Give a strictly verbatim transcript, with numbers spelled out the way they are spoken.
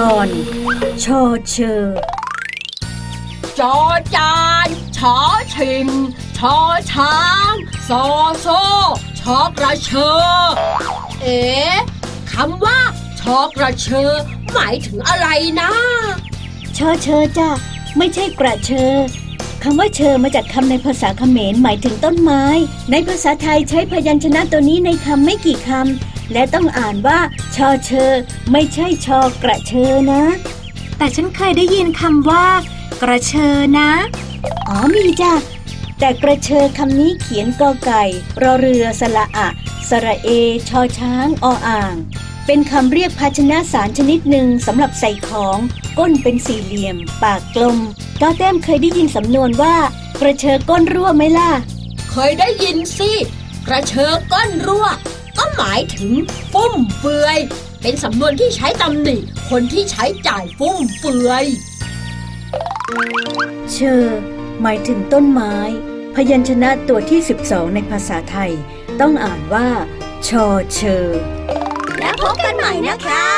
อนชอเชอจอจานชอชิงชอช้างซอโซชอกระเชอเอ๋คำว่าชอกระเชอหมายถึงอะไรนะชอเชอจ้ะไม่ใช่กระเชอคำว่าเชอมาจากคำในภาษาเขมรหมายถึงต้นไม้ในภาษาไทยใช้พยัญชนะตัวนี้ในคำไม่กี่คำและต้องอ่านว่าชอเชอไม่ใช่ชอกระเชอนะแต่ฉันเคยได้ยินคำว่ากระเชอนะอ๋อมีจ้ะแต่กระเชอคำนี้เขียนกอไก่รอเรือสระอะสระเอชอช้างออ่างเป็นคำเรียกภาชนะสารชนิดหนึ่งสำหรับใส่ของก้นเป็นสี่เหลี่ยมปากกลมก้าวแต้มเคยได้ยินสำนวนว่ากระเชอก้นรั่วไหมล่ะเคยได้ยินสิกระเชอก้นรั่วก็หมายถึงฟุ่มเฟือยเป็นสำนวนที่ใช้ตำหนิคนที่ใช้จ่ายฟุ่มเฟือยเชอหมายถึงต้นไม้พยัญชนะตัวที่สิบสองในภาษาไทยต้องอ่านว่าชอเชอแล้วพบกันใหม่นะคะ